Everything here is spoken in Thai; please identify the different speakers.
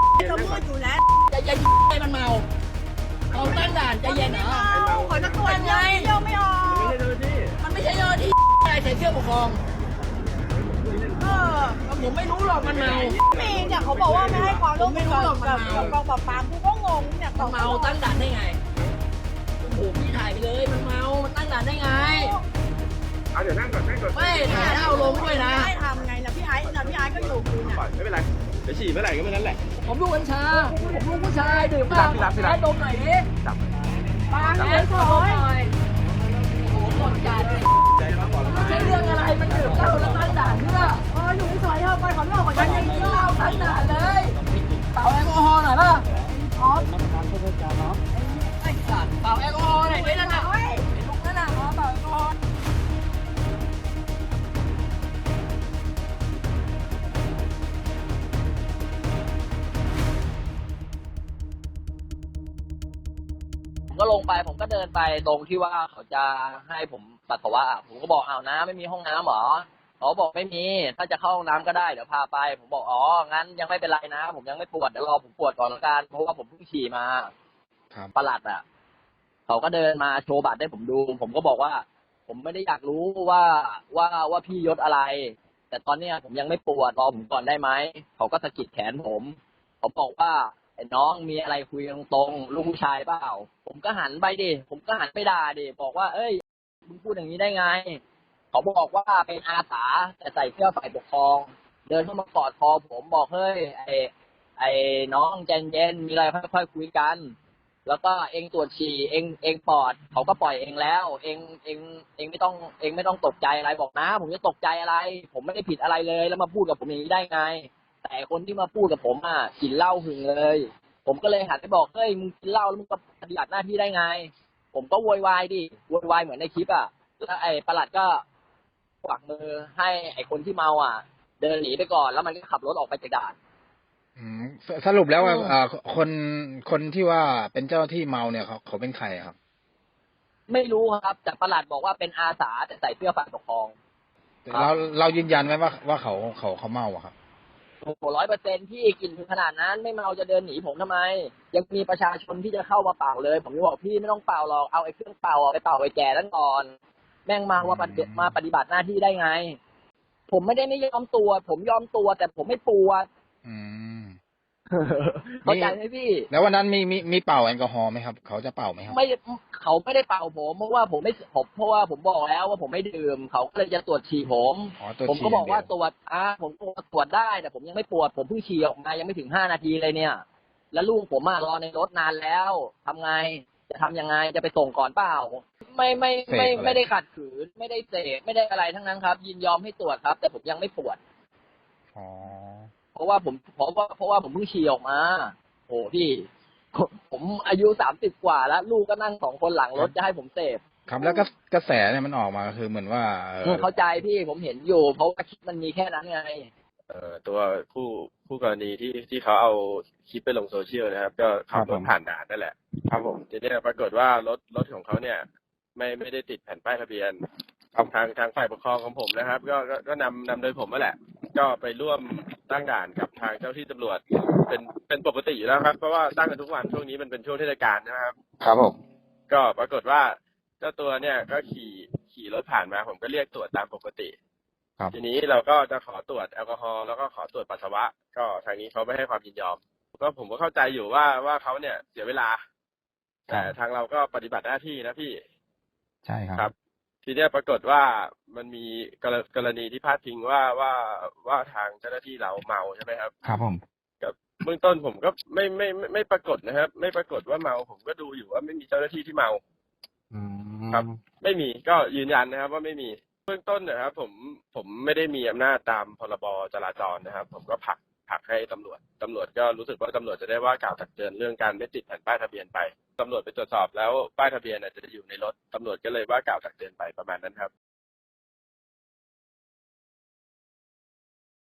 Speaker 1: จะมืดอยู่แล้ว
Speaker 2: จะเย็นไอ้มันเมาเราตั้งด่านจะเย็นเหรอ
Speaker 1: ขอจะตรวจเยี่ยวไม่ออก
Speaker 2: มันไม่ใช่เจ้าหน้าที่อะไรใส่เสื้อปกครอง ผมไม่รู้หรอกมันเมา
Speaker 1: มีเนี่ยเขาบอกว่าไม่ให้ความร่วมมือกับกองปราบปรามกูก็งงเนี่ย
Speaker 2: มันเมาตั้งด่านได้ไงโอ้โหพี่ถ่ายไปเลยมันเมามันตั้งด่านได้ไง
Speaker 3: เดี๋ยวนั่งก่อนนั่งก่อน
Speaker 2: ไม่ถ่ายแล้วเอาลงด้วยนะ
Speaker 1: ให้ทำไงนะพี่ไอ้นะพี่ไอ้ก็อยู่กูเนี่ย
Speaker 3: ไม่เป็นไรเดี๋ยวฉี่เมื่อไหร่ก็เมื่อนั้นแหละ
Speaker 2: ผมลูกกัญชาผมลูกผู้ชายดื่มบ้างให้ดมหน่อยดิ
Speaker 3: จับ
Speaker 1: ปาง
Speaker 2: ให้
Speaker 1: เอ้ย
Speaker 2: ด
Speaker 1: ถ
Speaker 2: ม
Speaker 1: อย
Speaker 2: หน่อยโอ้โหหมดการเลย
Speaker 3: ใจร้อนก่อนแล้ว
Speaker 2: ไม่ใช่เรื่องอะไรมันดื่มเหล้าแล้วตั้งด่านเพื่อ
Speaker 1: อยู่ที่ซอยเถอะไปขอเล่าก่อน
Speaker 2: มัน
Speaker 1: ยั
Speaker 2: ยัง ง
Speaker 1: ไง
Speaker 2: กินเหล้าตั้งด่านเลยเป่าแอลกอฮอล์หน่อยป่ะ
Speaker 1: อ๋อ
Speaker 2: ไอ้สัตว์เป่าแอลกอฮอล์หน่อยดินั่นน่ะไอ้ลุงนั่นน่ะเป่าแอลกอฮอล์ ผมก็ลงไปผมก็เดินไปตรงที่ว่าเขาจะให้ผมปัสสาวะผมก็บอกอ้าวน้ำไม่มีห้องน้ำเหรอเขาบอกไม่มีถ้าจะเข้าห้องน้ำก็ได้เดี๋ยวพาไปผมบอกอ๋องั้นยังไม่เป็นไรนะผมยังไม่ปวดเดี๋ยวรอผมปวดก่อนละกันเพราะว่าผมเพิ่งฉี่มาประหลัดเขาก็เดินมาโชว์บัตรให้ผมดูผมก็บอกว่า ผมไม่ได้อยากรู้ว่าพี่ยศอะไร แต่ตอนเนี้ยผมยังไม่ปวดรอผมก่อนได้ไหมเขาก็สะกิดแขนผมเขาบอกว่าไอ้น้องมีอะไรคุยตรงๆลูกผู้ชายเปล่าผมก็หันไปดิผมก็หันไปด่าดิบอกว่าเอ้ยมึงพูดอย่างนี้ได้ไงเขาบอกว่าเป็นอาสาแต่ใส่เสื้อฝ่ายปกครองเดินเข้ามากอดคอผมบอกเฮ้ยไอ้น้องใจเย็นมีอะไรค่อยๆคุยกัน แล้วก็เองตรวจฉี่เองปอดเขาก็ปล่อยเองแล้วเองไม่ต้องตกใจอะไรบอกนะผมจะตกใจอะไร ผมไม่ได้ผิดอะไรเลยแล้วมาพูดกับผมอย่างนี้ได้ไง แต่คนที่มาพูดกับผมกินเหล้าหึงเลย ผมก็เลยหันไปบอกเฮ้ยมึงกินเหล้าแล้วมึงก็ปฏิบัติหน้าที่ได้ไง ผมก็โวยวายดิโวยวายเหมือนในคลิปแล้วไอ้ปลัดก็กวักมือให้ไอ้คนที่เมาเดินหนีไปก่อนแล้วมันก็ขับรถออกไปจากด่าน
Speaker 4: สรุปแล้วว่าคนที่ว่าเป็นเจ้าหน้าที่เมาเนี่ยเขาเป็นใครครับ
Speaker 2: ไม่รู้ครับแต่ปลัดบอกว่าเป็นอาสาแต่ใส่เสื้อฝ่ายปกครอง
Speaker 4: เรายืนยันไหมว่าเขาเมาอะครับ
Speaker 2: โอ้โห100%ที่กินถึงขนาดนั้นไม่เมาจะเดินหนีผมทำไม ยังมีประชาชนที่จะเข้ามาเป่าเลย ผมจะบอกพี่ไม่ต้องเป่าหรอกเอาไอ้เครื่องเป่าไปเป่าไอ้แก่นั้นก่อน แม่งมาว่ามาปฏิบัติหน้าที่ได้ไง ผมไม่ได้ไม่ยอมตรวจผมยอมตรวจแต่ผมไม่ปวด
Speaker 4: อืม
Speaker 2: เข้าใจไหมพี่
Speaker 4: แล้ววันนั้นมีเป่าแอลกอฮอล์ไหมครับเขาจะเป่าไหมครับ
Speaker 2: ไม่เขาไม่ได้เป่าผมเพราะว่าผมบอกแล้วว่าผมไม่ดื่มเขาก็เลยจะตรวจฉี่ผม
Speaker 4: อ๋อตรวจฉี่
Speaker 2: ผมก็บอกว่า
Speaker 4: อย่างเดียว
Speaker 2: ตรวจผมก็ตรวจได้แต่ผมยังไม่ปวดผมเพิ่งฉี่ออกมายังไม่ถึง5 นาทีเลยเนี่ย แล้วลูกผมรอในรถนานแล้วทำไงจะทำยังไงจะไปส่งก่อนเปล่าไม่ได้ขัดขืนไม่ได้เสพไม่ได้อะไรทั้งนั้นครับ ยินยอมให้ตรวจครับ แต่ผมยังไม่ปวด
Speaker 4: อ๋อ
Speaker 2: เพราะว่าผมเพิ่งฉี่ออกมาโอ้พี่ ผมอายุ30 กว่าแล้ว ลูกก็นั่ง2 คนหลังรถจะให้ผมเสพ
Speaker 4: ครับแล้วก็กระแสเนี่ยมันออกมาคือเหมือนว่า
Speaker 2: เข้าใจพี่ผมเห็นอยู่ เพราะว่าคลิปมันมีแค่นั้นไง
Speaker 3: ตัวผู้กรณีที่เขาเอาคลิปไปลงโซเชียลนะครับ ก็ขับรถผ่านด่านนั่นแหละ ครับผมทีนี้ปรากฏว่ารถของเขาเนี่ย ไม่ได้ติดแผ่นป้ายทะเบียนทางฝ่ายปกครองของผมนะครับ ก็นำโดยผมนั่นแหละ ก็ไปร่วมตั้งด่านกับทางเจ้าที่ตำรวจเป็นปกติอยู่แล้วครับเพราะว่าตั้งกันทุกวันช่วงนี้มันเป็นช่วงเทศกาลนะครับ
Speaker 4: ครับผม
Speaker 3: ก็ปรากฏว่าเจ้าตัวเนี่ยก็ขี่รถผ่านมาผมก็เรียกตรวจตามปกติ
Speaker 4: ครับ
Speaker 3: ทีนี้เราก็จะขอตรวจแอลกอฮอล์แล้วก็ขอตรวจปัสสาวะ ก็ทางนี้เขาไม่ให้ความยินยอมก็ผมก็เข้าใจอยู่ว่าเขาเนี่ยเสียเวลา แต่ทางเราก็ปฏิบัติหน้าที่นะพี่
Speaker 4: ใช่ครับ
Speaker 3: ครับ ทีเนี้ยปรากฏว่ามันมีกรณีที่พาดพิงว่าทางเจ้าหน้าที่เราเมาใช่ไหมครับ
Speaker 4: ครับผม
Speaker 3: กับเบื้องต้นผมก็ไม่ปรากฏนะครับ ไม่ปรากฏว่าเมาผมก็ดูอยู่ว่าไม่มีเจ้าหน้าที่ที่เมา ครับ ไม่มีก็ยืนยันนะครับว่าไม่มีเบื้องต้นนะครับผมไม่ได้มีอำนาจตามพรบจราจรนะครับ ผมก็ผลักให้ตำรวจก็รู้สึกว่าตำรวจจะได้ว่ากล่าวตักเตือนเรื่องการไม่ติดแผ่นป้ายทะเบียนไปตำรวจไปตรวจสอบแล้วป้ายทะเบียนจะอยู่ในรถตำรวจก็เลยว่ากล่าวตักเตือนไปประมาณนั้นครับ